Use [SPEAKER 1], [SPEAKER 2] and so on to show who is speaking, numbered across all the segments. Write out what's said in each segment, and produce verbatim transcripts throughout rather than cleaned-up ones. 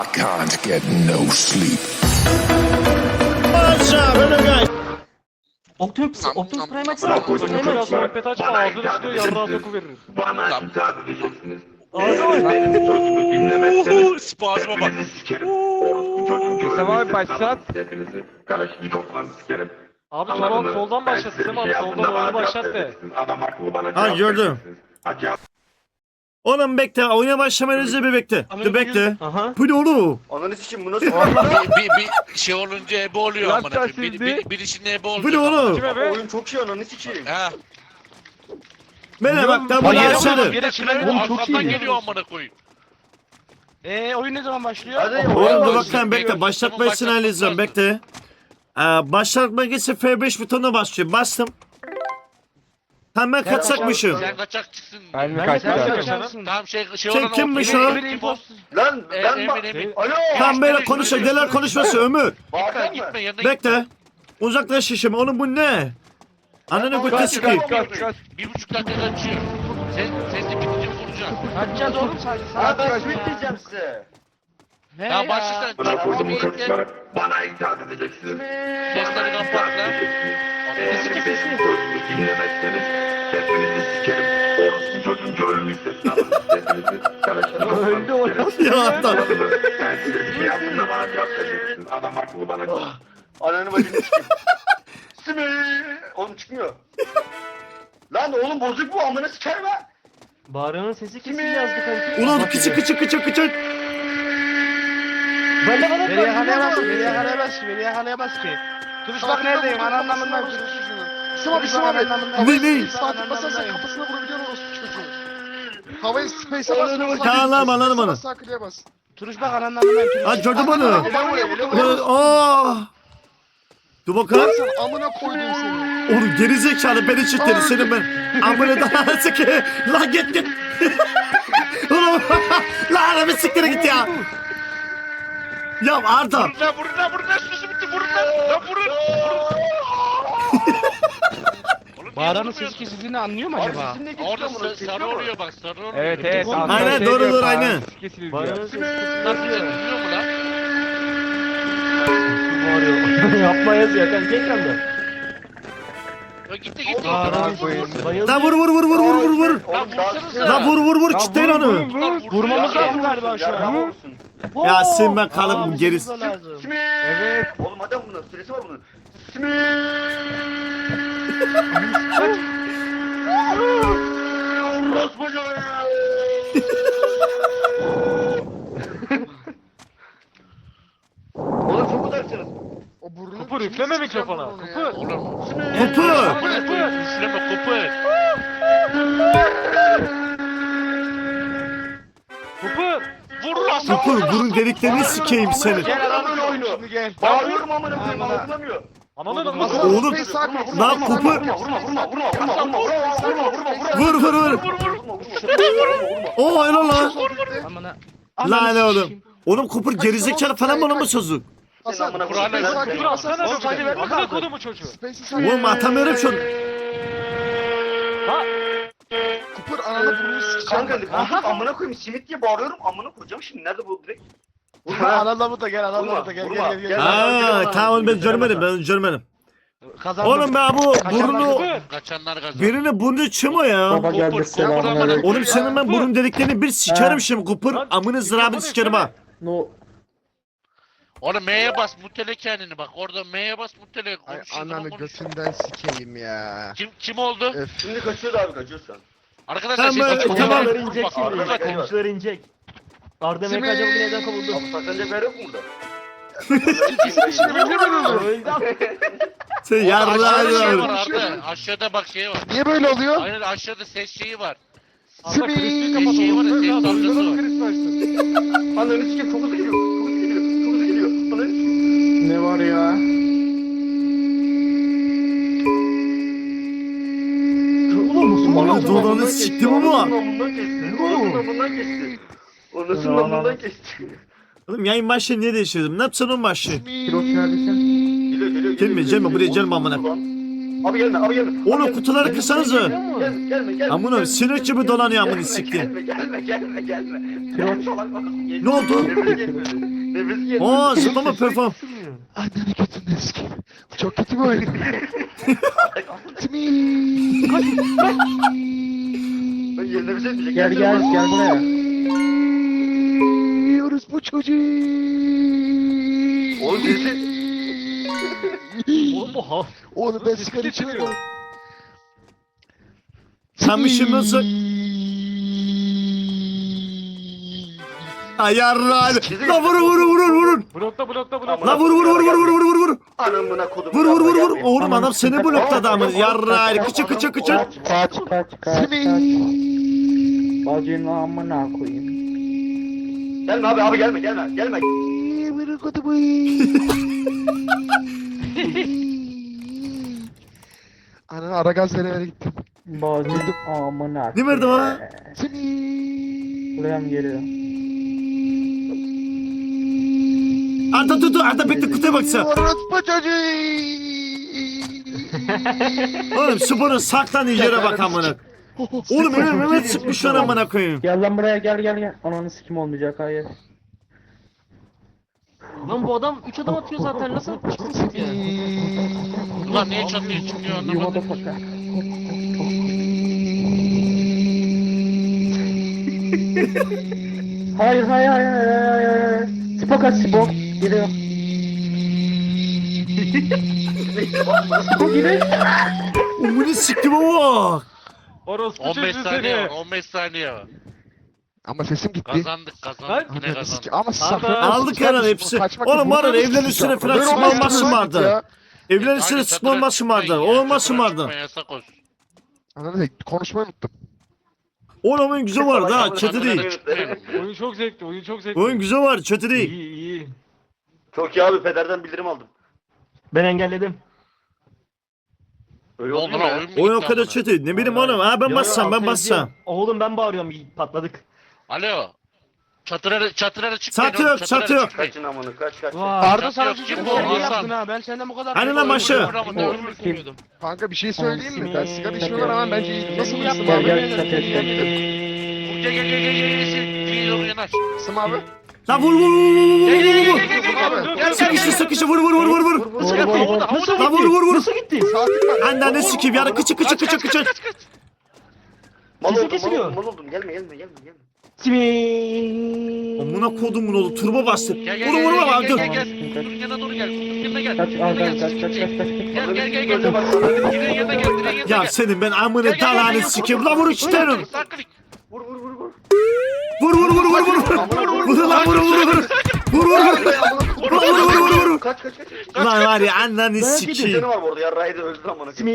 [SPEAKER 1] I can't get no sleep.
[SPEAKER 2] Optimus,
[SPEAKER 3] Nam,
[SPEAKER 2] Optimus
[SPEAKER 3] nam,
[SPEAKER 2] Prime
[SPEAKER 3] nam.
[SPEAKER 2] açsana. Optimus Prime
[SPEAKER 4] Biraz
[SPEAKER 2] aç.
[SPEAKER 4] sohbet açma ağzını tutuyor yarrağı soku verir.
[SPEAKER 5] Bana
[SPEAKER 3] Tamam.
[SPEAKER 5] itaat edeceksiniz.
[SPEAKER 2] Ağzı
[SPEAKER 5] Eğer
[SPEAKER 2] var.
[SPEAKER 5] benim sözümü dinlemezseniz
[SPEAKER 3] Uhu, spazma bak.
[SPEAKER 5] hepinizi sikerim. Orospu çocuğu
[SPEAKER 4] Tamam abi,
[SPEAKER 5] görünürseniz
[SPEAKER 4] başlat.
[SPEAKER 5] hepinizi Kalaşnikov'la sikerim.
[SPEAKER 4] Abi
[SPEAKER 5] Anladın
[SPEAKER 4] soldan,
[SPEAKER 5] mı?
[SPEAKER 4] soldan
[SPEAKER 5] Ben
[SPEAKER 4] başlat
[SPEAKER 5] size
[SPEAKER 4] Sema
[SPEAKER 5] bir
[SPEAKER 4] abi
[SPEAKER 5] şey
[SPEAKER 4] soldan
[SPEAKER 5] yaptığımda
[SPEAKER 4] onu
[SPEAKER 5] bana
[SPEAKER 4] başlat
[SPEAKER 5] cevap
[SPEAKER 4] de.
[SPEAKER 5] vereceksiniz. Adam haklı bana
[SPEAKER 6] Ha,
[SPEAKER 5] cevap
[SPEAKER 6] gördüm.
[SPEAKER 5] vereceksiniz. Ha, cevap
[SPEAKER 6] Oğlum bekle, oyuna başlamadan önce bir bekle. Dur bekle.
[SPEAKER 2] Aha.
[SPEAKER 6] Bu ne oğlum?
[SPEAKER 7] Ananı sikeyim bu nasıl?
[SPEAKER 3] bir, bir, bir şey olunca ebe oluyor
[SPEAKER 4] Lan
[SPEAKER 3] amına koyayım. Bir,
[SPEAKER 4] şimdi-
[SPEAKER 3] bir, birisinin ebe oluyor.
[SPEAKER 6] Bu ne oğlum?
[SPEAKER 4] Kime be?
[SPEAKER 7] Oyun çok iyi ananı sikeyim.
[SPEAKER 3] Ha.
[SPEAKER 6] Bana bak da
[SPEAKER 4] Bak,
[SPEAKER 6] bunu
[SPEAKER 4] yere
[SPEAKER 6] açalım.
[SPEAKER 4] bak, yere çıkar.
[SPEAKER 3] Oğlum arkamdan geliyor amına koyayım.
[SPEAKER 2] Eee oyun ne zaman başlıyor?
[SPEAKER 7] Hadi
[SPEAKER 6] Oğlum
[SPEAKER 7] oyun
[SPEAKER 6] dur
[SPEAKER 7] başlıyor.
[SPEAKER 6] bak lan bekle. Başlatma için halledeceğim bekle. Ee, başlatma için F beş butonuna basıyorum. Bastım. Tam ben kaçacakmışım.
[SPEAKER 3] Sen kaçakçısın.
[SPEAKER 4] Ben mi
[SPEAKER 2] Ben
[SPEAKER 4] kaçtım?
[SPEAKER 2] de
[SPEAKER 4] Kaçtım.
[SPEAKER 2] kaçarsın.
[SPEAKER 3] Tamam şey şey
[SPEAKER 6] Sen
[SPEAKER 3] olan
[SPEAKER 6] kimmiş
[SPEAKER 3] Emir-
[SPEAKER 6] o?
[SPEAKER 3] Emir-
[SPEAKER 2] Emir
[SPEAKER 3] Emir-
[SPEAKER 2] imposter.
[SPEAKER 7] Lan
[SPEAKER 3] E,
[SPEAKER 7] ben
[SPEAKER 3] Emir
[SPEAKER 7] bak.
[SPEAKER 3] Emir.
[SPEAKER 7] Alo.
[SPEAKER 6] Tam böyle konuşuyor. Neler konuşması Ömür.
[SPEAKER 3] Gitme
[SPEAKER 7] Bağırma
[SPEAKER 3] gitme
[SPEAKER 7] mı?
[SPEAKER 3] yanına gitme.
[SPEAKER 6] Bekle. Uzaklaş şişim. Oğlum bu ne? Ananı götü sikeyim.
[SPEAKER 4] Kaç kaç.
[SPEAKER 3] Bir buçuk dakika kaçıyor. Sen, sen de bitince vuracaksın.
[SPEAKER 2] Kaçacağız oğlum sadece.
[SPEAKER 7] Ha ben sweet diyeceğim size.
[SPEAKER 2] Ne
[SPEAKER 3] Ya başla
[SPEAKER 5] Bana
[SPEAKER 3] sen.
[SPEAKER 5] koydum bu
[SPEAKER 3] Çok iyi
[SPEAKER 5] çocuklar. Bana itaat edeceksiniz.
[SPEAKER 3] Sesleri
[SPEAKER 5] Bana
[SPEAKER 3] kapat
[SPEAKER 5] itaat
[SPEAKER 3] lan.
[SPEAKER 5] edeceksiniz. Eğer benim sözümü dinlemezseniz hepinizi sikerim. Orospu çocuğun görünmüş sesini alın. Hepinizi Kalaşnikov'la
[SPEAKER 2] Öldü o.
[SPEAKER 5] sikerim.
[SPEAKER 6] Ya adam.
[SPEAKER 5] Ben size bir şey yaptığımda bana cevap vereceksiniz. Adam haklı bana cevap.
[SPEAKER 7] Ananı bacını sikeyim. Simi. Oğlum çıkmıyor. Lan oğlum bozuk bu amına sikerim ha.
[SPEAKER 2] Bağıranın sesi kesildi yazdı kanki.
[SPEAKER 6] Ulan kıçı kıçı kıçı kıçı.
[SPEAKER 2] Ben de bana
[SPEAKER 8] Beni yakalayamaz ki, beni yakalayamaz ki, beni yakalayamaz ki. Duruş bak neredeyim, anlamından duruş.
[SPEAKER 9] Sıma bir sıma bir.
[SPEAKER 6] Ne ne?
[SPEAKER 9] Saatlik basarsan kafasına vurabiliyorsun orospu çocuğu. Havayı space'e bas.
[SPEAKER 6] Tamam, anladım onu.
[SPEAKER 9] Sağ kliğe bas.
[SPEAKER 8] Duruş bak anlamından duruş.
[SPEAKER 6] Ha gördün bunu.
[SPEAKER 7] Ele vuruyor ele vuruyor.
[SPEAKER 6] Aa. Dur bakalım.
[SPEAKER 9] Sen amına koydum seni.
[SPEAKER 6] Oğlum gerizekalı beni çiftleri senin ben. Amına daha sıkı. Lan git git. Oğlum lan arabı siktire git ya. Ya Arda.
[SPEAKER 3] Vurun lan vurun lan vurun lan sözü bitti vurun lan. Lan vurun. Oğlum,
[SPEAKER 8] Bağıranın
[SPEAKER 3] niye
[SPEAKER 8] sesi
[SPEAKER 3] vurmuyorsun?
[SPEAKER 8] kesildiğini anlıyor mu
[SPEAKER 7] Abi
[SPEAKER 8] acaba?
[SPEAKER 7] sesin ne
[SPEAKER 3] Orada
[SPEAKER 7] kesiyor bunu?
[SPEAKER 3] sa- sarı oluyor bak sarı oluyor.
[SPEAKER 4] Evet evet.
[SPEAKER 2] Oğlum,
[SPEAKER 4] aslında
[SPEAKER 6] aynen,
[SPEAKER 4] şey
[SPEAKER 6] doğru,
[SPEAKER 4] diyor,
[SPEAKER 6] doğru,
[SPEAKER 4] bağıran
[SPEAKER 6] aynen.
[SPEAKER 4] sesi kesildi
[SPEAKER 2] Bağıranın
[SPEAKER 4] diyor.
[SPEAKER 2] sesi
[SPEAKER 3] Lan bize
[SPEAKER 2] kesildi.
[SPEAKER 3] duyuyor mu lan?
[SPEAKER 2] Bağırıyor. Yapma yazıyor kanki ekranda.
[SPEAKER 3] Ya gitti gitti.
[SPEAKER 2] Bağıranın
[SPEAKER 4] koyayım.
[SPEAKER 2] sesi bayıldı.
[SPEAKER 6] Lan vur vur vur vur vur vur vur.
[SPEAKER 7] Oğlum
[SPEAKER 3] Lan
[SPEAKER 7] daha
[SPEAKER 3] vursanıza.
[SPEAKER 6] Lan vur vur vur
[SPEAKER 4] Ya
[SPEAKER 6] kitleyin
[SPEAKER 4] vur,
[SPEAKER 6] onu.
[SPEAKER 4] vur,
[SPEAKER 3] Lan
[SPEAKER 4] vur.
[SPEAKER 3] vursun
[SPEAKER 8] Vurmamız
[SPEAKER 3] ya.
[SPEAKER 8] lazım galiba şu an.
[SPEAKER 7] olsun.
[SPEAKER 6] Ya sen ben
[SPEAKER 8] Aa,
[SPEAKER 6] kalım geriz.
[SPEAKER 8] vurmamız lazım.
[SPEAKER 7] Simi.
[SPEAKER 4] Evet.
[SPEAKER 7] Oğlum adam bunun süresi var bunun. Simi. Orospu çocuğu. Oğlum çok uzaksınız.
[SPEAKER 9] O burnunu
[SPEAKER 4] Kupur,
[SPEAKER 9] kim
[SPEAKER 4] üfleme
[SPEAKER 9] sikeceğim
[SPEAKER 4] mikrofona.
[SPEAKER 9] bunu ya?
[SPEAKER 4] Kupur.
[SPEAKER 3] Oğlum.
[SPEAKER 6] Kupu.
[SPEAKER 3] Amına koyayım üfleme kopar.
[SPEAKER 4] Kupur.
[SPEAKER 3] Vur lan.
[SPEAKER 6] Kupu burun deliklerini sikeyim seni.
[SPEAKER 7] Gel alalım oyunu.
[SPEAKER 8] Şimdi gel.
[SPEAKER 7] Bağırıyorum amına koyayım
[SPEAKER 8] Amına.
[SPEAKER 7] algılamıyor.
[SPEAKER 4] Anladın mı?
[SPEAKER 9] Masa
[SPEAKER 6] Oğlum,
[SPEAKER 9] space sağ klik.
[SPEAKER 6] lan
[SPEAKER 9] Vurma,
[SPEAKER 6] Kupur.
[SPEAKER 9] vurma,
[SPEAKER 7] Vurma vurma vurma vurma vurma vurma vurma vurma vurma
[SPEAKER 6] Vur vur vur.
[SPEAKER 7] vurma vurma.
[SPEAKER 6] Oo helal lan.
[SPEAKER 9] Sol klikte.
[SPEAKER 8] Amına.
[SPEAKER 6] Lan ne oğlum.
[SPEAKER 8] sikeyim.
[SPEAKER 6] Oğlum Kupur gerizekalı falan mı lan bu sözü?
[SPEAKER 9] Hasan,
[SPEAKER 7] amına
[SPEAKER 9] space'e
[SPEAKER 7] koyayım.
[SPEAKER 9] sağ
[SPEAKER 4] Kupur
[SPEAKER 9] klik.
[SPEAKER 4] atsana
[SPEAKER 9] Hasan,
[SPEAKER 4] bir tane ver.
[SPEAKER 9] space'e
[SPEAKER 4] Amına kodumu çocuğu.
[SPEAKER 9] sağ
[SPEAKER 6] Oğlum atamıyorum şunu.
[SPEAKER 4] Ha?
[SPEAKER 9] Kupur ananı burnunu sikeceğim.
[SPEAKER 7] Kanka kanka amına koyayım simit diye bağırıyorum amına koyacağım şimdi nerede bu direkt?
[SPEAKER 8] Vurma anadolu da gel anadolu
[SPEAKER 7] Vurma,
[SPEAKER 8] da gel
[SPEAKER 7] vurma.
[SPEAKER 8] gel gel.
[SPEAKER 7] Gel.
[SPEAKER 8] gel.
[SPEAKER 6] Aa tamam ben görmedim ben görmedim.
[SPEAKER 8] Kazandım.
[SPEAKER 6] Oğlum ben bu burnu
[SPEAKER 3] Kaçanlar kazandı.
[SPEAKER 6] birinin burnu çıma ya.
[SPEAKER 3] Kopur kopur amına
[SPEAKER 6] Oğlum senin ben burun deliklerini bir sikerim şimdi Kupur.
[SPEAKER 4] Lan,
[SPEAKER 6] Amını zırabını sikerim ha.
[SPEAKER 3] Oğlum M'ye bas mutele kendini bak orada M'ye bas mutele
[SPEAKER 8] Ay
[SPEAKER 3] konuşuyor
[SPEAKER 8] ananı
[SPEAKER 3] zaman konuş.
[SPEAKER 8] götünden sikeyim ya.
[SPEAKER 3] Kim kim oldu?
[SPEAKER 8] Öf.
[SPEAKER 7] Şimdi kaçıyordu abi kaçıyor şu an.
[SPEAKER 3] Arkadaşlar
[SPEAKER 6] Tamam,
[SPEAKER 3] şey
[SPEAKER 6] ben- tamam.
[SPEAKER 2] Komşular inecek
[SPEAKER 3] Bak,
[SPEAKER 2] şimdi.
[SPEAKER 3] arkadaşlar-
[SPEAKER 2] Komşular inecek. Arda
[SPEAKER 9] Simi.
[SPEAKER 2] M K C'nin neden kovuldu?
[SPEAKER 7] Abi saklanacak yer yok mu burada?
[SPEAKER 9] Şimdi beni mi öldürdün?
[SPEAKER 2] Öldü.
[SPEAKER 6] Sen yarrağı
[SPEAKER 3] Aşağıda şey var
[SPEAKER 6] yarrağı.
[SPEAKER 3] Arda. Aşağıda bak şey var.
[SPEAKER 9] Niye böyle oluyor?
[SPEAKER 3] Aynen aşağıda ses şeyi var.
[SPEAKER 4] Arda kristi kapat.
[SPEAKER 3] Ses şeyi var ya ses dalgası var.
[SPEAKER 4] Kristi açtı.
[SPEAKER 7] Ananı sikeyim çok hızlı geliyor. Çok hızlı geliyor. Çok hızlı geliyor. Ananı sikeyim.
[SPEAKER 8] Ne var ya?
[SPEAKER 6] Bana dolanı siktim ama.
[SPEAKER 7] Ondan kesti. Ondan bundan kesti. Ondan bundan kesti.
[SPEAKER 6] Oğlum yayın başlığı niye değiştirdim? Ne yapsın onun başlığı?
[SPEAKER 7] Geliyor geliyor geliyor.
[SPEAKER 6] Gelme, gelme, buraya gelme amına.
[SPEAKER 7] Abi gelme abi gelme.
[SPEAKER 6] Oğlum
[SPEAKER 7] Abi
[SPEAKER 6] kutuları
[SPEAKER 7] gelme.
[SPEAKER 6] kırsanıza.
[SPEAKER 7] Gelme gelme gelme.
[SPEAKER 6] Amına
[SPEAKER 7] gelme.
[SPEAKER 6] sinek gibi dolanıyor amına
[SPEAKER 7] Gelme,
[SPEAKER 6] sikeyim.
[SPEAKER 7] Gelme gelme gelme gelme. Gelme salak bak.
[SPEAKER 6] Ne oldu?
[SPEAKER 7] Gelme, gelme. Nefes gel.
[SPEAKER 6] Oo zıplama perform.
[SPEAKER 9] Anneni götünden sikeyim. Çok kötü bir oyun. Simi.
[SPEAKER 7] Ben yerine bir şey diyecek.
[SPEAKER 8] Gel gel gel buraya.
[SPEAKER 9] Orospu çocuğu.
[SPEAKER 7] Oğlum birisi.
[SPEAKER 2] Oğlum bu ha.
[SPEAKER 9] Oğlum ben sigara içmiyorum.
[SPEAKER 6] Sen bir şey nasıl? Ay yarrağını. La vurun vurun vurun vurun.
[SPEAKER 4] Blokta blokta blokta.
[SPEAKER 6] La vur vur vur vur vur vur vur vur.
[SPEAKER 7] Anamına kodum.
[SPEAKER 6] Vur vur vur vur. Oğlum adam seni blokladı ama yarrağını. Kıçı kıçı kıçı.
[SPEAKER 8] Kaç kaç kaç kaç.
[SPEAKER 9] Simi.
[SPEAKER 8] Bacının amına koyayım.
[SPEAKER 7] Gelme abi abi gelme gelme gelme.
[SPEAKER 9] Bırak kodumu. Ananı ara gaz vere vere gittim.
[SPEAKER 8] Bacının amına.
[SPEAKER 6] Ne verdi bana?
[SPEAKER 9] Simi.
[SPEAKER 8] Buraya mı geliyor?
[SPEAKER 6] Ata tut tut. Ata bekle kutuya baksana.
[SPEAKER 9] Orospu çocuğu.
[SPEAKER 6] Oğlum sporun saklandığı yere bak amına. Oğlum Mehmet Mehmet sıkmış lan amına koyayım.
[SPEAKER 8] Gel lan buraya gel gel gel. Ananı sikim olmayacak hayır.
[SPEAKER 2] Lan bu adam üç adam atıyor zaten. Nasıl çıksın ya?
[SPEAKER 3] Ulan niye çatıyor çıkıyor
[SPEAKER 8] You
[SPEAKER 3] anlamadım.
[SPEAKER 8] motherfucker. Hayır hayır hayır hayır hayır hayır. Spok aç spok. Geliyor. Spok geliyor.
[SPEAKER 6] Umunu siktim ama.
[SPEAKER 4] Orospu
[SPEAKER 3] on beş
[SPEAKER 4] çocuğu
[SPEAKER 3] saniye var
[SPEAKER 4] seni.
[SPEAKER 3] on beş saniye var.
[SPEAKER 9] Ama sesim gitti.
[SPEAKER 3] Kazandık kazandık yine
[SPEAKER 9] Ananı
[SPEAKER 3] kazandık.
[SPEAKER 9] sik- Ama siz
[SPEAKER 4] Arda,
[SPEAKER 9] saklanıyorsunuz.
[SPEAKER 6] aldık
[SPEAKER 9] Kardeşim,
[SPEAKER 6] herhalde hepsi.
[SPEAKER 9] kaçmak
[SPEAKER 6] Oğlum
[SPEAKER 9] yok.
[SPEAKER 6] var ya,
[SPEAKER 9] Bunu
[SPEAKER 6] evlerin
[SPEAKER 9] nasıl
[SPEAKER 6] üstüne
[SPEAKER 9] yapacağım?
[SPEAKER 6] falan
[SPEAKER 9] Böyle
[SPEAKER 6] çıkma
[SPEAKER 9] olmaz
[SPEAKER 6] olmazsın
[SPEAKER 9] ki
[SPEAKER 6] vardı.
[SPEAKER 9] ya.
[SPEAKER 6] Evlerin üstüne
[SPEAKER 3] Aynen,
[SPEAKER 6] sıkma olmazsın
[SPEAKER 3] çatıra
[SPEAKER 6] vardı.
[SPEAKER 3] çıkmayın ya,
[SPEAKER 6] Olmazsın
[SPEAKER 3] çatıra
[SPEAKER 6] vardı.
[SPEAKER 3] çıkmayın, yasak olsun.
[SPEAKER 9] Ananı konuşmayı unuttum.
[SPEAKER 6] Oğlum oyun güzel vardı ha. Kötü değil.
[SPEAKER 4] Oyun çok zevkli oyun çok zevkli.
[SPEAKER 6] Oyun güzel var. Kötü değil.
[SPEAKER 4] İyi iyi.
[SPEAKER 7] Çok iyi abi pederden bildirim aldım.
[SPEAKER 2] Ben engelledim.
[SPEAKER 7] Öyle
[SPEAKER 3] Ne
[SPEAKER 7] oldu
[SPEAKER 3] oldu
[SPEAKER 7] mu
[SPEAKER 3] lan
[SPEAKER 7] ya?
[SPEAKER 3] oyun mu
[SPEAKER 6] Oyun o
[SPEAKER 3] gitti
[SPEAKER 6] kadar
[SPEAKER 3] amına?
[SPEAKER 6] kötü. Ne bileyim oğlum. Ha ben
[SPEAKER 2] Yo,
[SPEAKER 6] bassam ben
[SPEAKER 2] altı
[SPEAKER 6] bassam.
[SPEAKER 2] yazıyor. Oğlum ben bağırıyorum. Patladık.
[SPEAKER 3] Alo. Çatıra çatıra çıkmayın.
[SPEAKER 6] Çatı
[SPEAKER 3] oğlum,
[SPEAKER 6] yok,
[SPEAKER 3] çatıra
[SPEAKER 6] çatı yok.
[SPEAKER 3] çıkmayın.
[SPEAKER 7] Kaçın amını kaç kaç.
[SPEAKER 2] Vay.
[SPEAKER 4] Arda sana
[SPEAKER 3] yok,
[SPEAKER 4] çocuk
[SPEAKER 3] kim
[SPEAKER 4] bir
[SPEAKER 3] bu?
[SPEAKER 4] şey
[SPEAKER 3] Hasan.
[SPEAKER 4] yaptın ha. Ben senden bu kadar.
[SPEAKER 6] Hani lan başı.
[SPEAKER 8] Kim?
[SPEAKER 9] Kanka bir şey söyleyeyim mi? Ben sigara içmiyorlar ama bence iyi. Nasıl
[SPEAKER 8] Gel
[SPEAKER 9] yaptın
[SPEAKER 8] gel
[SPEAKER 9] abi?
[SPEAKER 8] gel çat et çat.
[SPEAKER 3] Gel gel gel gel gel gel. Dili doğru yanaş.
[SPEAKER 9] Sım abi.
[SPEAKER 6] Lan vur vur vur vur vur vur.
[SPEAKER 9] Sım abi.
[SPEAKER 6] Sıkıştı sıkıştı vur vur vur vur vur.
[SPEAKER 8] Vur vur vur.
[SPEAKER 2] Nasıl
[SPEAKER 6] Lan vur vur vur.
[SPEAKER 2] Nasıl gitti?
[SPEAKER 9] Saatlik var.
[SPEAKER 6] Anneanne sikeyim yani kıçı kıçı kıçı kıçı.
[SPEAKER 7] Mal
[SPEAKER 2] Sesi
[SPEAKER 7] oldum mal
[SPEAKER 2] kesiliyor.
[SPEAKER 7] oldum mal oldum gelme gelme gelme gelme.
[SPEAKER 2] Simi.
[SPEAKER 6] Amına kodumun oğlu turbo bastı.
[SPEAKER 3] Gel gel
[SPEAKER 6] Vur
[SPEAKER 3] gel
[SPEAKER 6] vur vur
[SPEAKER 3] gel
[SPEAKER 6] abi
[SPEAKER 3] gel
[SPEAKER 6] dur.
[SPEAKER 3] gel gel. Kutunun yanına doğru gel. Kutunun yanına gel.
[SPEAKER 8] Kaç
[SPEAKER 3] Kutunun
[SPEAKER 8] al
[SPEAKER 3] yanına
[SPEAKER 8] kaç
[SPEAKER 3] gel.
[SPEAKER 8] kaç kaç kaç kaç.
[SPEAKER 3] Gel gel gel
[SPEAKER 7] Göze
[SPEAKER 3] gel.
[SPEAKER 7] bak sana.
[SPEAKER 3] Direğin yanına gel. Direğin yanına
[SPEAKER 6] Ya
[SPEAKER 3] gel.
[SPEAKER 6] senin ben
[SPEAKER 3] Gel,
[SPEAKER 6] amını
[SPEAKER 3] gel, gel,
[SPEAKER 6] dalanı
[SPEAKER 3] gel.
[SPEAKER 6] sikeyim. Lan vur işte.
[SPEAKER 3] Sağ klik.
[SPEAKER 7] Vur vur vur vur.
[SPEAKER 6] Vur vur vur vur vur. Vur lan vur vur vur. Vur vur vur. Vur vur vur vur vur.
[SPEAKER 7] Kaç kaç kaç.
[SPEAKER 6] Lan var ya anneni
[SPEAKER 7] Bir
[SPEAKER 6] sikeyim.
[SPEAKER 7] canı var bu arada ya Rayda öldü amına.
[SPEAKER 2] Simi.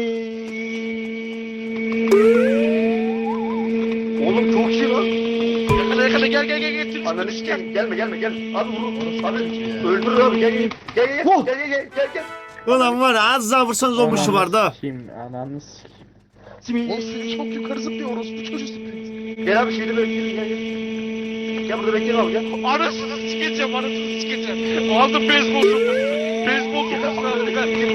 [SPEAKER 7] Oğlum çok iyi lan.
[SPEAKER 3] Yakala yakala gel gel gel gel. Tüm-
[SPEAKER 7] Ananı sikeyim gelme gelme gel. Abi vur. Abi öldür abi gel gel. Gel gel gel gel gel gel gel.
[SPEAKER 6] Ulan var ya az daha vursanız olmuşu vardı ha.
[SPEAKER 8] Kim ananı sikim.
[SPEAKER 2] Simi.
[SPEAKER 9] Oğlum sizi çok yukarı zıplıyor orospu çocuğu zıplıyor.
[SPEAKER 7] Gel abi şeyde bekleyelim gel gel. Gel burada bekleyelim abi gel.
[SPEAKER 3] Anasını sikeceğim anasını sikeceğim. Aldım beyzbol sopası. Beyzbol sopası.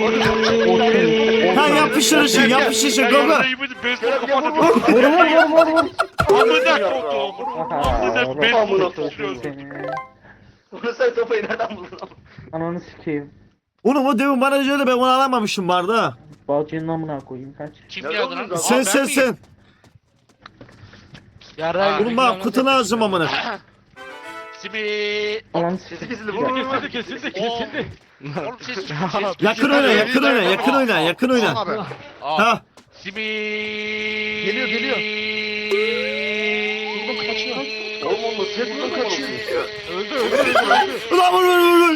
[SPEAKER 6] Ha yapıştır işi yapıştır işi gogo.
[SPEAKER 3] Beyzbol
[SPEAKER 7] Gel gel vur
[SPEAKER 3] kapatıp.
[SPEAKER 7] vur.
[SPEAKER 8] Vur vur vur vur vur.
[SPEAKER 3] Amına koydum.
[SPEAKER 8] Aha,
[SPEAKER 3] Amına beyzbol
[SPEAKER 7] Amına
[SPEAKER 3] tutuyorsun.
[SPEAKER 8] seni.
[SPEAKER 7] Bunu sen sopayı nereden buldun?
[SPEAKER 8] Ananı sikeyim.
[SPEAKER 6] Oğlum o demin bana söyle ben onu alamamışım vardı ha.
[SPEAKER 8] Bacının amına koyayım kaç.
[SPEAKER 3] Kim
[SPEAKER 7] Nerede
[SPEAKER 3] geldi
[SPEAKER 7] oldun
[SPEAKER 3] lan?
[SPEAKER 7] zaten?
[SPEAKER 6] Sen
[SPEAKER 3] Aa, ben
[SPEAKER 6] sen
[SPEAKER 3] miyim?
[SPEAKER 6] sen.
[SPEAKER 3] Aa,
[SPEAKER 6] Oğlum bak kutu lazım amına.
[SPEAKER 3] Simi.
[SPEAKER 8] Ananı
[SPEAKER 7] Sesi
[SPEAKER 8] sikeyim.
[SPEAKER 7] kesildi vur vur vur.
[SPEAKER 4] Kesildi kesildi kesildi.
[SPEAKER 3] Oğlum ses ses.
[SPEAKER 6] Yakın oyna yakın oyna yakın oyna yakın
[SPEAKER 9] Sım
[SPEAKER 6] oyna.
[SPEAKER 9] abi.
[SPEAKER 3] Aa.
[SPEAKER 6] Ha.
[SPEAKER 3] Simi.
[SPEAKER 9] Geliyor, geliyor. Buradan kaçıyor.
[SPEAKER 7] Oğlum oğlum ses buradan kaçıyor.
[SPEAKER 4] Öldü öldü öldü öldü.
[SPEAKER 6] Ulan vur vur vur.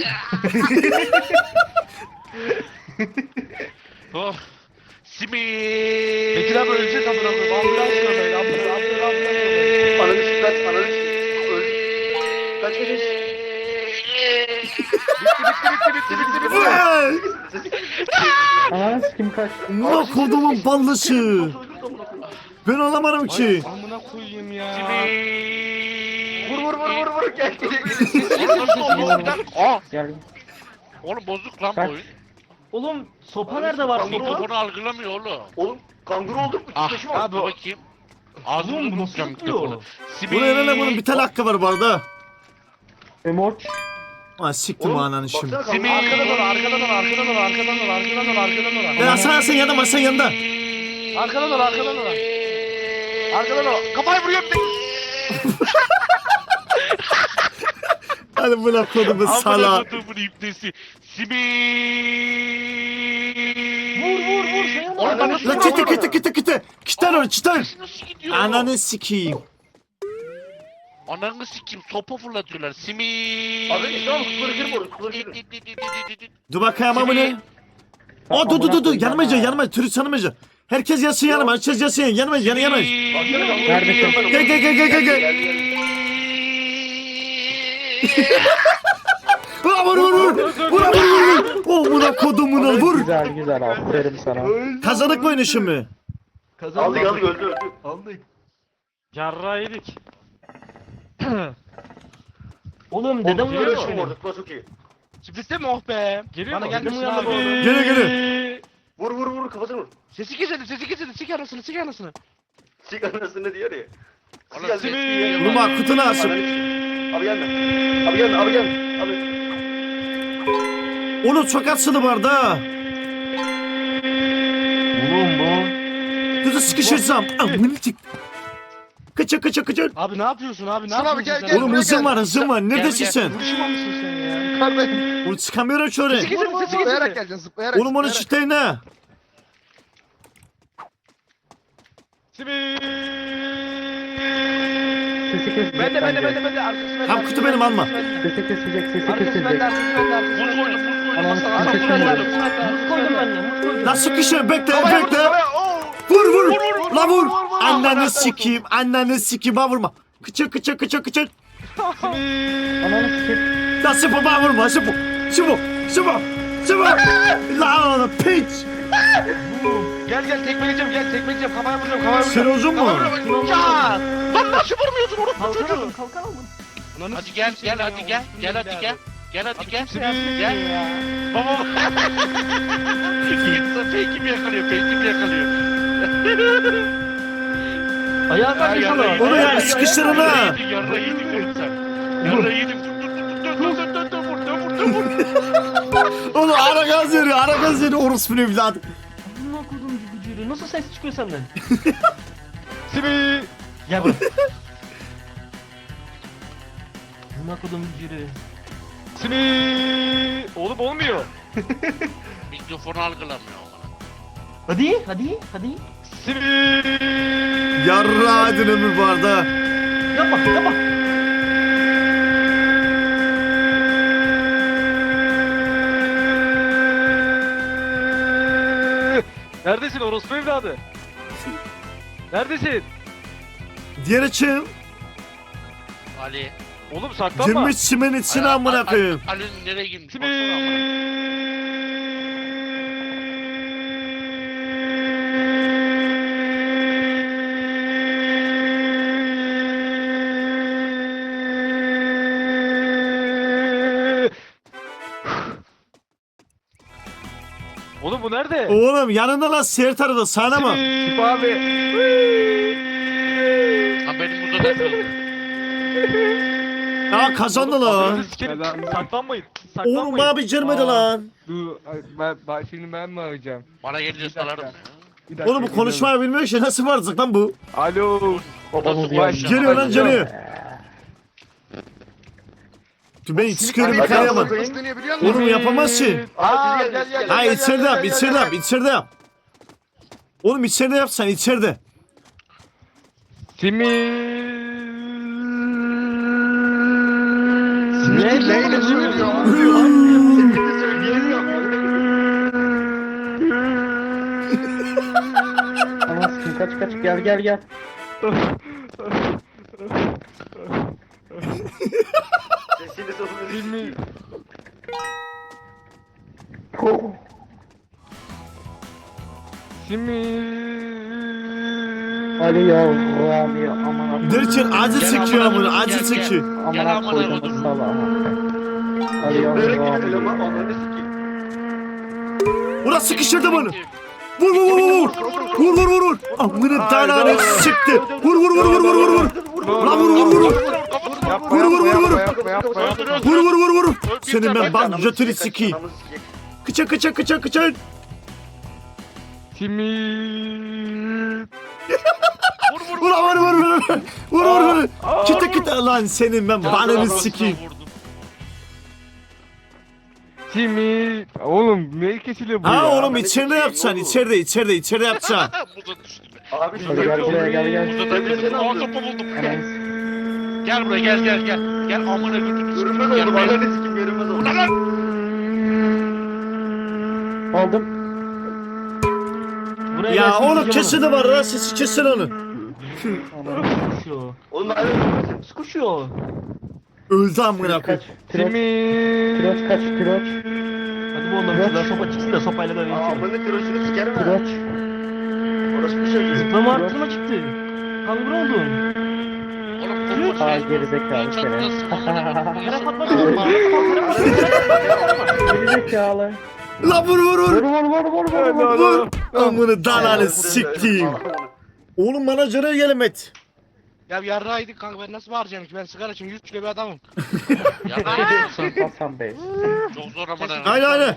[SPEAKER 3] Oh. Simi.
[SPEAKER 4] Bekir abi ölecek amına koyayım. Ambulans yolayın. Ambulans ambulans yolayın.
[SPEAKER 7] Ananı sikeyim kaç ananı sikeyim. Öldü. Kaç kaç kaç.
[SPEAKER 6] Vay!
[SPEAKER 8] Ananı sikim kaç.
[SPEAKER 6] Ulan kodumun ballısı. Ben alamadım ki.
[SPEAKER 4] Amına koyayım ya.
[SPEAKER 3] Simi.
[SPEAKER 7] Vur vur vur vur vur gel gel gel.
[SPEAKER 3] Nasıl oldu bir dakika? Aa.
[SPEAKER 8] Gel.
[SPEAKER 3] Oğlum bozuk lan bu
[SPEAKER 8] Kaç.
[SPEAKER 3] oyun.
[SPEAKER 2] Oğlum sopa nerede var? Sopa.
[SPEAKER 3] Mikrofonu algılamıyor oğlum.
[SPEAKER 7] Oğlum kanguru olduk mu?
[SPEAKER 3] Ah
[SPEAKER 7] Titreşim var.
[SPEAKER 3] abi bakayım. Ağzımı
[SPEAKER 2] Oğlum bu
[SPEAKER 3] unutacağım
[SPEAKER 2] nasıl
[SPEAKER 3] mikrofonu.
[SPEAKER 2] yapıyor?
[SPEAKER 3] Simi.
[SPEAKER 6] Bu ne lan bunun bir tane hakkı var bu arada.
[SPEAKER 8] Emoç.
[SPEAKER 6] Aa siktim
[SPEAKER 7] Oğlum,
[SPEAKER 6] ananı şimdi.
[SPEAKER 7] baksana
[SPEAKER 3] Simi.
[SPEAKER 7] kanka.
[SPEAKER 8] Arkadan ol, arkadan ol, arkadan ol, arkadan ol, arkadan ol, arkadan ol.
[SPEAKER 6] Ben Hasan sen yanında Hasan yanında.
[SPEAKER 8] Arkadan ol, arkadan ol. Arkadan ol. Kafayı vuruyorum.
[SPEAKER 6] Hadi buna kodumu
[SPEAKER 3] Amına
[SPEAKER 6] sala.
[SPEAKER 3] kodumun ipnesi. Simi.
[SPEAKER 2] Vur vur vur. Şey ama.
[SPEAKER 7] Oradan
[SPEAKER 6] La kiti kiti kiti kiti. Kitan onu kitan.
[SPEAKER 3] Nasıl gidiyor?
[SPEAKER 6] Ananı sikeyim.
[SPEAKER 3] Ananı sikeyim. Sopa fırlatıyorlar. Simi.
[SPEAKER 7] Abi tamam kutuları kırma orası. Kutuları kırma.
[SPEAKER 6] Dur bakayım ama bu ne? O dur dur dur dur yanımayacak yanımayacak turist yanımayacak. Herkes yatsın yanıma herkes yatsın yanıma yanı yanıma.
[SPEAKER 7] Neredesin?
[SPEAKER 6] Gel gel gel gel gel gel. Vur vur vur vur. Vur vur vur vur. Oh buna kodumuna vur.
[SPEAKER 8] Güzel güzel, aferin sana.
[SPEAKER 6] Kazanık mı oyunu şimdi?
[SPEAKER 2] Kazandık.
[SPEAKER 7] Aldık aldık öldü öldü.
[SPEAKER 2] Aldık.
[SPEAKER 4] Yarra yedik.
[SPEAKER 2] Oğlum dedem
[SPEAKER 7] Oğlum
[SPEAKER 2] uyarıyor
[SPEAKER 7] şu
[SPEAKER 2] beni.
[SPEAKER 7] orada. Kutular çok iyi.
[SPEAKER 8] Sürprizde mi oh be?
[SPEAKER 4] Geliyor
[SPEAKER 8] Bana
[SPEAKER 4] mu?
[SPEAKER 8] gelmesin
[SPEAKER 2] Dedem
[SPEAKER 8] abi.
[SPEAKER 2] uyandı bu arada.
[SPEAKER 6] Gele gele.
[SPEAKER 7] Vur vur vur kafasını vur.
[SPEAKER 8] Sesi kesildi, sesi kesildi. Sik anasını, sik anasını.
[SPEAKER 7] Sik anasını diyor ya. Sik
[SPEAKER 3] Oğlum,
[SPEAKER 7] anasını
[SPEAKER 3] Simi.
[SPEAKER 7] diyor ya.
[SPEAKER 6] Numa kutunu asın.
[SPEAKER 7] Abi gelme. Abi gelme abi gelme. Abi.
[SPEAKER 6] Onu çok atsılı vardı ha.
[SPEAKER 2] Oğlum bu.
[SPEAKER 6] Dur dur sıkışırsam. Amını çık. Kaça kaça kaça.
[SPEAKER 8] Abi ne yapıyorsun abi? Ne
[SPEAKER 9] Sana abi,
[SPEAKER 8] yapıyorsun
[SPEAKER 9] gel,
[SPEAKER 8] sen?
[SPEAKER 9] gel.
[SPEAKER 6] Oğlum hızım var hızım var. Neredesin
[SPEAKER 3] gel.
[SPEAKER 6] sen?
[SPEAKER 8] Vuruşma mısın sen ya?
[SPEAKER 9] Yukarıdayım.
[SPEAKER 6] Oğlum çıkamıyorum şöyle.
[SPEAKER 8] Sesi kesildi, sesi
[SPEAKER 9] Zıplayarak
[SPEAKER 8] kesildi.
[SPEAKER 9] geleceksin zıplayarak.
[SPEAKER 6] Oğlum onu
[SPEAKER 9] zıplayarak.
[SPEAKER 6] çıtayın ha.
[SPEAKER 4] Simi.
[SPEAKER 8] Ben de, ben de, ben de, ben de. Arkası bende.
[SPEAKER 6] Tam kutu benim alma.
[SPEAKER 8] Sesi kesilecek, sesi kesilecek. Arkası bende, arkası bende, arkası
[SPEAKER 3] Buz
[SPEAKER 8] bende.
[SPEAKER 3] koydum, buz koydum.
[SPEAKER 8] Anam,
[SPEAKER 3] Hasan,
[SPEAKER 8] arkası
[SPEAKER 3] Hasan, buz
[SPEAKER 8] bende,
[SPEAKER 3] koydum.
[SPEAKER 8] arkası bende,
[SPEAKER 2] Muz
[SPEAKER 8] arkası
[SPEAKER 2] koydum
[SPEAKER 8] bende.
[SPEAKER 2] ben de. Muz koydum.
[SPEAKER 6] Lan sıkışır bekle
[SPEAKER 8] Havaya vur,
[SPEAKER 6] bekle.
[SPEAKER 8] havaya, oo.
[SPEAKER 6] Vur vur. La vur. Anneni sikeyim. Anneni sikeyim. Ha vurma. Kıçır kıçır kıçır kıçır.
[SPEAKER 8] Ananı sikeyim.
[SPEAKER 6] La sıfır bana vurma. Sıfır. Sıfır. Sıfır. Sıfır. La oğlum piç.
[SPEAKER 8] Gel gel tekmeleyeceğim, gel tekmeleyeceğim. Kafaya vuracağım, kafaya
[SPEAKER 6] Sen
[SPEAKER 8] vuracağım.
[SPEAKER 6] uzun mu?
[SPEAKER 8] Ya! Lan nasıl vurmuyorsun oğlum?
[SPEAKER 2] Kalkan alın kalkan alın.
[SPEAKER 3] Hadi gel, gel hadi gel. Gel hadi gel. Gel hadi gel.
[SPEAKER 8] Gel.
[SPEAKER 3] Gel. Baba. Fake'i mi yakalıyor? Fake'i mi yakalıyor?
[SPEAKER 2] Ayağa kalk
[SPEAKER 3] yarra
[SPEAKER 2] inşallah.
[SPEAKER 6] Onu ya sıkıştırın ha.
[SPEAKER 3] Yedik, yarra yedik oğlum sen. Yarra yedik. Dur dur dur dur dur dur dur vur dur vur dur vur.
[SPEAKER 6] Oğlum ara gaz veriyor. Ara gaz veriyor. Orospu evladı.
[SPEAKER 2] Amına kodum gücüyle. Nasıl ses çıkıyor senden?
[SPEAKER 4] Simi.
[SPEAKER 2] Gel buraya. Amına kodum gücüyle.
[SPEAKER 4] Simi. Oğlum olmuyor.
[SPEAKER 3] Mikrofonu algılamıyor.
[SPEAKER 2] Hadi hadi hadi.
[SPEAKER 4] Simi.
[SPEAKER 6] Yarra adın ömür vardı.
[SPEAKER 2] Yapma yapma.
[SPEAKER 4] Neredesin orospu evladı? Neredesin?
[SPEAKER 6] Diğer açım.
[SPEAKER 3] Ali.
[SPEAKER 4] Oğlum saklanma.
[SPEAKER 6] Girmiş çimen içine amına koyayım.
[SPEAKER 3] Ali'nin nereye girmiş?
[SPEAKER 4] Simi.
[SPEAKER 3] Baksana amına.
[SPEAKER 4] Oğlum bu nerede?
[SPEAKER 6] Oğlum yanında lan seyir tarafı sana mı?
[SPEAKER 4] Tip abi.
[SPEAKER 3] Ha benim burada da kırıldı.
[SPEAKER 6] Ya kazandı lan.
[SPEAKER 4] Ananı sikerim. Saklanmayın. Saklanmayın.
[SPEAKER 6] Oğlum bana bir girmedi lan.
[SPEAKER 8] Dur, ben, ben şimdi ben mi arayacağım?
[SPEAKER 3] Bana gelince salarım ya.
[SPEAKER 8] Bir dakika,
[SPEAKER 6] Oğlum bu konuşmayı bilmiyor ki nasıl varacak lan bu?
[SPEAKER 4] Alo.
[SPEAKER 3] Nasıl konuşacağım?
[SPEAKER 6] Geliyor lan geliyor. Dur ben çıkıyorum
[SPEAKER 9] Abi,
[SPEAKER 6] kayamam.
[SPEAKER 9] Nasıl deneyebiliyor musun?
[SPEAKER 6] Oğlum yapamaz ki.
[SPEAKER 8] Aa gel gel gel.
[SPEAKER 6] Ha
[SPEAKER 8] gel,
[SPEAKER 6] içeride
[SPEAKER 8] gel,
[SPEAKER 6] yap
[SPEAKER 8] gel,
[SPEAKER 6] içeride
[SPEAKER 8] gel,
[SPEAKER 6] yap içeride yap. Oğlum içeride yap sen içeride.
[SPEAKER 4] Simi.
[SPEAKER 9] Ne? Neyle söylüyor?
[SPEAKER 8] Ananı sikeyim, kaç kaç gel gel gel.
[SPEAKER 7] Sesini sorun.
[SPEAKER 4] Simi.
[SPEAKER 8] Ali yavrum ya aman
[SPEAKER 6] Derken acı çekiyor amına acı çekiyor.
[SPEAKER 3] Gel
[SPEAKER 8] aman
[SPEAKER 3] amına
[SPEAKER 8] koydum
[SPEAKER 3] kodum.
[SPEAKER 8] sala. Ali
[SPEAKER 7] Böyle gidiyor
[SPEAKER 8] yavrum.
[SPEAKER 7] eleman. Ananı sikeyim.
[SPEAKER 6] Ulan sıkıştırdı bunu. Vur vur vur vur. Vur vur vur vur. Amına tananı çıktı. Vur vur vur vur vur vur vur. Lan vur vur vur vur. Vur vur vur vur.
[SPEAKER 9] Yapma yapma yapma.
[SPEAKER 6] Vur vur vur vur.
[SPEAKER 3] Öl, bir
[SPEAKER 6] Senin
[SPEAKER 3] tane
[SPEAKER 6] ben
[SPEAKER 3] bak,
[SPEAKER 6] ban götünü sikeyim. Kıça kıça kıça kıça.
[SPEAKER 9] Simit.
[SPEAKER 3] Vur vur
[SPEAKER 6] Vur vur vur vur. Vur vur vur. Kıta kıta lan senin ben banını
[SPEAKER 3] Kafasına
[SPEAKER 6] sikeyim.
[SPEAKER 3] vurdum.
[SPEAKER 9] Simit. Oğlum ne kesiliyor bu
[SPEAKER 6] Ha
[SPEAKER 9] ya?
[SPEAKER 6] oğlum içeride yapacaksın. İçeride içeride içeride yapacaksın.
[SPEAKER 3] Bu da düştü.
[SPEAKER 7] Abi
[SPEAKER 3] Gel,
[SPEAKER 7] şurada
[SPEAKER 3] gel,
[SPEAKER 7] bir
[SPEAKER 3] gel,
[SPEAKER 8] gel, gel.
[SPEAKER 3] Burada da
[SPEAKER 7] Emre, seni
[SPEAKER 3] Aa
[SPEAKER 7] alıyorum.
[SPEAKER 3] topu buldum. Gel buraya gel gel gel. Gel amına götürün.
[SPEAKER 7] Görünmez
[SPEAKER 3] Gel
[SPEAKER 7] oldu.
[SPEAKER 3] buraya.
[SPEAKER 7] Bana ne sikim görünmez oldu.
[SPEAKER 3] Ulan lan.
[SPEAKER 8] Aldım.
[SPEAKER 2] Buraya
[SPEAKER 6] Ya
[SPEAKER 2] gelsin,
[SPEAKER 6] oğlum
[SPEAKER 2] diyeceğim
[SPEAKER 6] kesin de var lan sesi kesin onu.
[SPEAKER 2] ona. Sıkışıyor.
[SPEAKER 7] Oğlum ben
[SPEAKER 2] Sıkışıyor.
[SPEAKER 6] Öldü amına koyayım.
[SPEAKER 8] Piroç. Piroç kaç piroç.
[SPEAKER 2] Hadi bu ondan şuradan sopa çıksın da sopayla böyle geçelim.
[SPEAKER 7] Amına kiroşunu sikerim ha.
[SPEAKER 8] Piroç.
[SPEAKER 7] Orası bir şey.
[SPEAKER 2] Zıplama arttırma çıktı. Kanguru oldun.
[SPEAKER 3] Oğlum topu
[SPEAKER 8] Aa
[SPEAKER 3] şey.
[SPEAKER 8] gerizekalı seni.
[SPEAKER 2] Yere patladı.
[SPEAKER 8] Gerizekalı.
[SPEAKER 6] La vur vur
[SPEAKER 8] Vur
[SPEAKER 6] vur.
[SPEAKER 8] vur vur vur vur vur.
[SPEAKER 6] Vur. Amını dalanı sikeyim. Oğlum bana görev gelemet.
[SPEAKER 8] Ya yarrağıydık kanka ben nasıl bağıracağım ki ben sigara için yüz kilo bir adamım.
[SPEAKER 3] Ya ne yapıyorsun?
[SPEAKER 8] Hasan Bey.
[SPEAKER 3] Çok zor ama da.
[SPEAKER 6] Aynen aynen.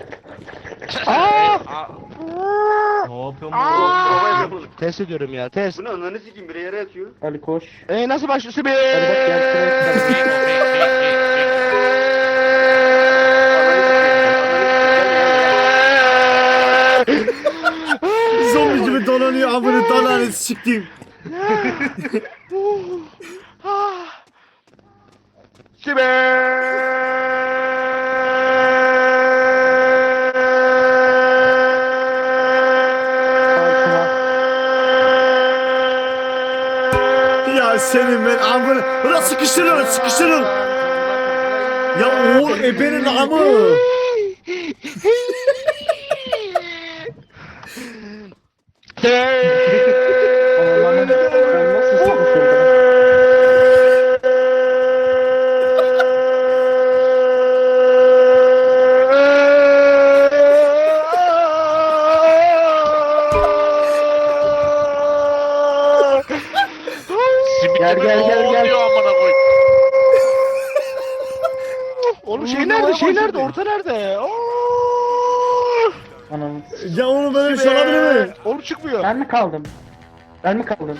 [SPEAKER 2] Ne yapıyorsun bu?
[SPEAKER 8] Test ediyorum ya test.
[SPEAKER 7] Bu ne ananı sikeyim biri yere yatıyor.
[SPEAKER 8] Ali koş. Eee nasıl başlıyorsun be? Hadi bak gel.
[SPEAKER 6] Zombi gibi dolanıyor amını dalanı sikeyim. Ya senin ben amını. Ulan sıkıştırın sıkıştırın. Ya oğul ebenin amı.
[SPEAKER 8] Allah'ım ben nasıl sıkışırdım?
[SPEAKER 3] Simit
[SPEAKER 8] Gel,
[SPEAKER 3] gibi
[SPEAKER 8] gel, gel,
[SPEAKER 3] ne
[SPEAKER 8] gel.
[SPEAKER 3] oluyor amına koy.
[SPEAKER 8] Oğlum şey nerede şey nerede orta nerede? Anam.
[SPEAKER 6] Ya oğlum böyle bir şey olabilir mi?
[SPEAKER 8] Oğlum çıkmıyor. Ben mi kaldım? Ben mi kaldım?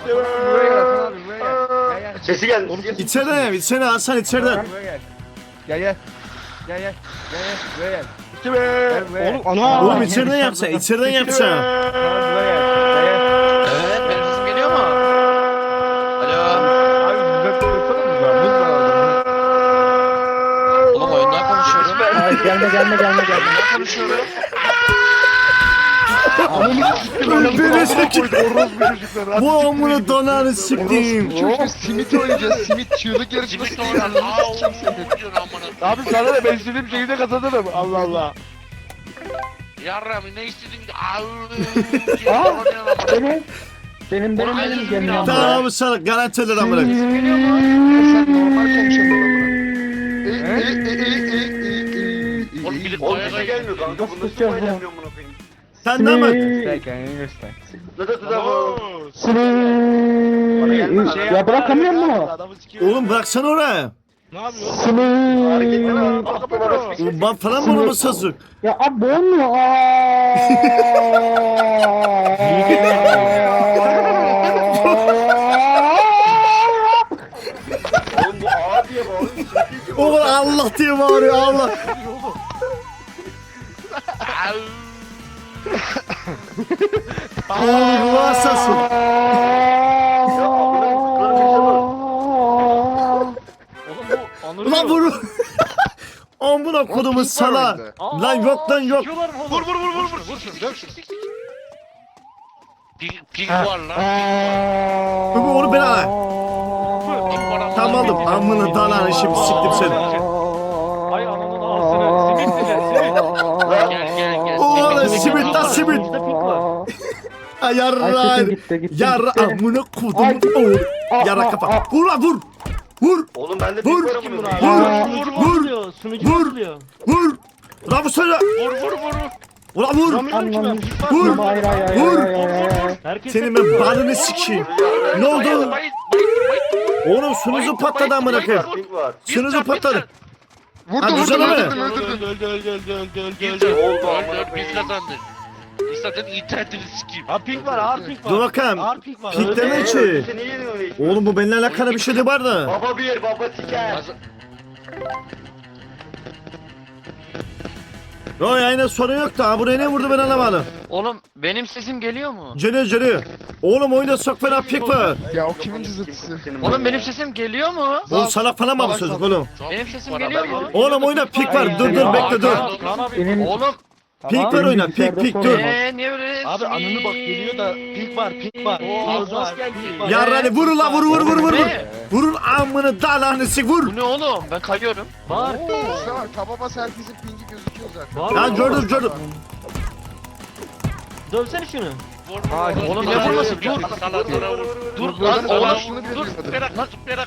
[SPEAKER 7] Sesi geldi.
[SPEAKER 6] İçeriden yap içeriden Hasan içeriden.
[SPEAKER 9] Gel gel. Gel gel. Gel gel. Buraya gel. Gel buraya.
[SPEAKER 8] Oğlum ana.
[SPEAKER 6] Oğlum içeriden yapsa içeriden yapsa.
[SPEAKER 9] Tamam buraya gel. Gel gel.
[SPEAKER 3] Evet benim sesim geliyor mu? Alo.
[SPEAKER 9] Abi düzelt tutsana mı var? Buz var orada.
[SPEAKER 3] Oğlum oyundan konuşuyorum.
[SPEAKER 8] Ay, gelme gelme gelme gelme.
[SPEAKER 3] Konuşuyorum.
[SPEAKER 6] Beni sikeyim. Bu amını dalanı sikeyim.
[SPEAKER 9] Oğlum simit oynayacağız. Simit çığlık yarışması.
[SPEAKER 3] Simit oynan. Aa oğlum ne diyorsun amına?
[SPEAKER 9] Abi sana da ben istediğim şekilde kazanırım. Allah Allah.
[SPEAKER 3] Yarram ne istedin?
[SPEAKER 8] Aa,
[SPEAKER 3] Aa.
[SPEAKER 8] benim. Benim benim
[SPEAKER 3] Oğlum,
[SPEAKER 8] benim
[SPEAKER 3] özür
[SPEAKER 8] gelin
[SPEAKER 3] dilerim.
[SPEAKER 6] Tamam abi sana garanti eder amına.
[SPEAKER 9] Sen normal konuşamıyorsun.
[SPEAKER 3] Oğlum bilip
[SPEAKER 7] Oğlum
[SPEAKER 3] ayağa
[SPEAKER 7] bir şey
[SPEAKER 3] gelmiyor.
[SPEAKER 7] gelmiyor kanka.
[SPEAKER 8] Nasıl
[SPEAKER 7] Bu nasıl
[SPEAKER 8] tutacağız
[SPEAKER 7] oynayamıyor
[SPEAKER 8] bunu?
[SPEAKER 7] amına koyayım.
[SPEAKER 6] Sen de mi?
[SPEAKER 7] Nasıl tutar bu?
[SPEAKER 8] Sını. Ya bırakamıyor mu?
[SPEAKER 6] Oğlum bıraksana oraya.
[SPEAKER 8] Ne yapıyorsun?
[SPEAKER 7] Hareketleri var.
[SPEAKER 6] Oğlum ben falan mı onu sazık?
[SPEAKER 8] Ya abi olmuyor.
[SPEAKER 7] Oğlum bu ağa diye bağırıyor.
[SPEAKER 6] Oğlum Allah diye bağırıyor Allah. Oğlum bu asasın.
[SPEAKER 7] Ya amına koyayım.
[SPEAKER 2] Oğlum bu anırıyor.
[SPEAKER 6] Ulan vur. Amına kodumun sala.
[SPEAKER 2] Aa,
[SPEAKER 6] Lan yok lan yok.
[SPEAKER 2] sikiyorlar mı oğlum?
[SPEAKER 3] Vur vur vur vur vur. Vur şunu dök şunu. Pig, pig var lan.
[SPEAKER 6] Öbür onu ben al. Tamam aldım. Amına dalanı şimdi siktim seni.
[SPEAKER 2] Ay ananın ağzını. Simit dile simit.
[SPEAKER 3] Gel gel gel.
[SPEAKER 6] Oğlum simit lan simit.
[SPEAKER 2] İşte pik var.
[SPEAKER 6] Ay yarra.
[SPEAKER 8] Ay, gitti, gitti,
[SPEAKER 6] Yarra
[SPEAKER 8] gitti.
[SPEAKER 6] amına kodumun oğlu. Yarra kafa. Vur lan vur. Vur.
[SPEAKER 7] Oğlum bende
[SPEAKER 6] Vur.
[SPEAKER 7] pik var amına
[SPEAKER 2] Vur
[SPEAKER 7] koyayım.
[SPEAKER 6] Vur.
[SPEAKER 2] Sunucu
[SPEAKER 6] Vur.
[SPEAKER 2] bozuluyor. Sunucu
[SPEAKER 6] Vur.
[SPEAKER 2] bozuluyor.
[SPEAKER 6] Vur. Ulan bu söyle.
[SPEAKER 3] Vur vur vur.
[SPEAKER 6] Ulan vur.
[SPEAKER 2] Vuramıyorum ki ben. Pik var.
[SPEAKER 6] Vur.
[SPEAKER 8] Hayır hayır hayır
[SPEAKER 6] Vur.
[SPEAKER 8] hayır hayır.
[SPEAKER 2] Herkes
[SPEAKER 6] Senin ben balını sikeyim. Ne oldu?
[SPEAKER 3] Bayıt bayıt bayıt.
[SPEAKER 6] Oğlum sunucu patladı amına koyayım.
[SPEAKER 7] Pink var.
[SPEAKER 6] Sunucu patladı.
[SPEAKER 9] Vurdum
[SPEAKER 6] Ha,
[SPEAKER 9] vurdum
[SPEAKER 6] güzel mi?
[SPEAKER 9] öldürdüm
[SPEAKER 3] Öldü
[SPEAKER 9] öldürdüm.
[SPEAKER 3] öldü öldü öldü öldü öldü
[SPEAKER 7] Girdi,
[SPEAKER 3] öldü.
[SPEAKER 7] oldu amına
[SPEAKER 3] Öldü biz
[SPEAKER 7] koyayım.
[SPEAKER 3] kazandık. Biz zaten internetini sikeyim.
[SPEAKER 8] Ha pink var, ağır pink var.
[SPEAKER 6] Dur bakalım.
[SPEAKER 8] Ağır pink var.
[SPEAKER 6] Pink deme
[SPEAKER 7] Ee,
[SPEAKER 6] ki.
[SPEAKER 7] Seni yeniyor hiç.
[SPEAKER 6] Oğlum bu benimle alakalı bir şey de var da.
[SPEAKER 7] Baba bir baba siker.
[SPEAKER 3] Kaz-
[SPEAKER 6] Yo yayına sorun yok da ha, buraya ne vurdu ben anlamadım.
[SPEAKER 2] Oğlum benim sesim geliyor mu?
[SPEAKER 6] Geliyor geliyor. Oğlum oyunda çok fena pik var.
[SPEAKER 9] Ya o kimin cızırtısı?
[SPEAKER 2] Oğlum benim sesim geliyor mu?
[SPEAKER 6] Oğlum salak falan mı bu çocuk oğlum?
[SPEAKER 2] Benim sesim
[SPEAKER 3] Bana
[SPEAKER 2] geliyor
[SPEAKER 3] bak.
[SPEAKER 2] mu?
[SPEAKER 6] Oğlum oyunda pik var. Dur dur bekle dur.
[SPEAKER 8] Kaan abi.
[SPEAKER 2] Oğlum
[SPEAKER 6] Pik var oyna pik pik dur.
[SPEAKER 2] eee niye öyle?
[SPEAKER 8] Abi anını bak geliyor da pink var, pink var. Pink var, pink var.
[SPEAKER 6] Yarın hadi vur la vur vur vur vur vur.
[SPEAKER 2] Ne?
[SPEAKER 6] Vurun amını dalağını sik vur.
[SPEAKER 2] Bu ne oğlum? Ben kayıyorum.
[SPEAKER 8] Var.
[SPEAKER 9] İşte bak taba bas herkesin pingi gözüküyor zaten.
[SPEAKER 6] Ya gördüm gördüm.
[SPEAKER 8] Dövsene şunu.
[SPEAKER 3] Vur, vur, vur,
[SPEAKER 2] Oğlum
[SPEAKER 3] vur,
[SPEAKER 2] ne
[SPEAKER 3] vur,
[SPEAKER 2] vurması?
[SPEAKER 3] vur,
[SPEAKER 2] Dur.
[SPEAKER 3] vur, salaklara vur.
[SPEAKER 2] Dur
[SPEAKER 9] Buradan
[SPEAKER 2] lan
[SPEAKER 9] sonra
[SPEAKER 2] oğlum.
[SPEAKER 9] şunu
[SPEAKER 3] Dur,
[SPEAKER 9] bilmedim.
[SPEAKER 3] zıplayarak, zıplayarak.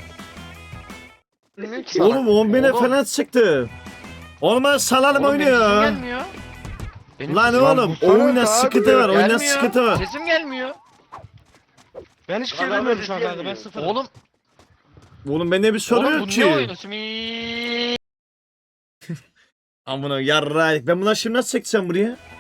[SPEAKER 6] Oğlum on bine falan çıktı. Olmaz salalım
[SPEAKER 2] Oğlum benim sesim
[SPEAKER 6] oynuyor.
[SPEAKER 2] gelmiyor. Benim
[SPEAKER 6] Lan
[SPEAKER 2] sesim
[SPEAKER 6] oğlum
[SPEAKER 9] bu sana
[SPEAKER 6] oyuna
[SPEAKER 9] da
[SPEAKER 6] sıkıntı var
[SPEAKER 9] abi,
[SPEAKER 6] oyuna
[SPEAKER 2] gelmiyor.
[SPEAKER 6] sıkıntı var.
[SPEAKER 2] Sesim gelmiyor.
[SPEAKER 8] Ben hiçbir şey
[SPEAKER 7] Lan
[SPEAKER 8] demiyorum
[SPEAKER 7] abi,
[SPEAKER 8] şu an kanka, ben sıfırım.
[SPEAKER 2] Oğlum,
[SPEAKER 6] Oğlum bende bir soru
[SPEAKER 2] oğlum
[SPEAKER 6] yok
[SPEAKER 2] bu ne
[SPEAKER 6] ki.
[SPEAKER 2] oyunu? Simi.
[SPEAKER 6] Amına yarraydık. Ben bunları şimdi nasıl çekeceğim buraya?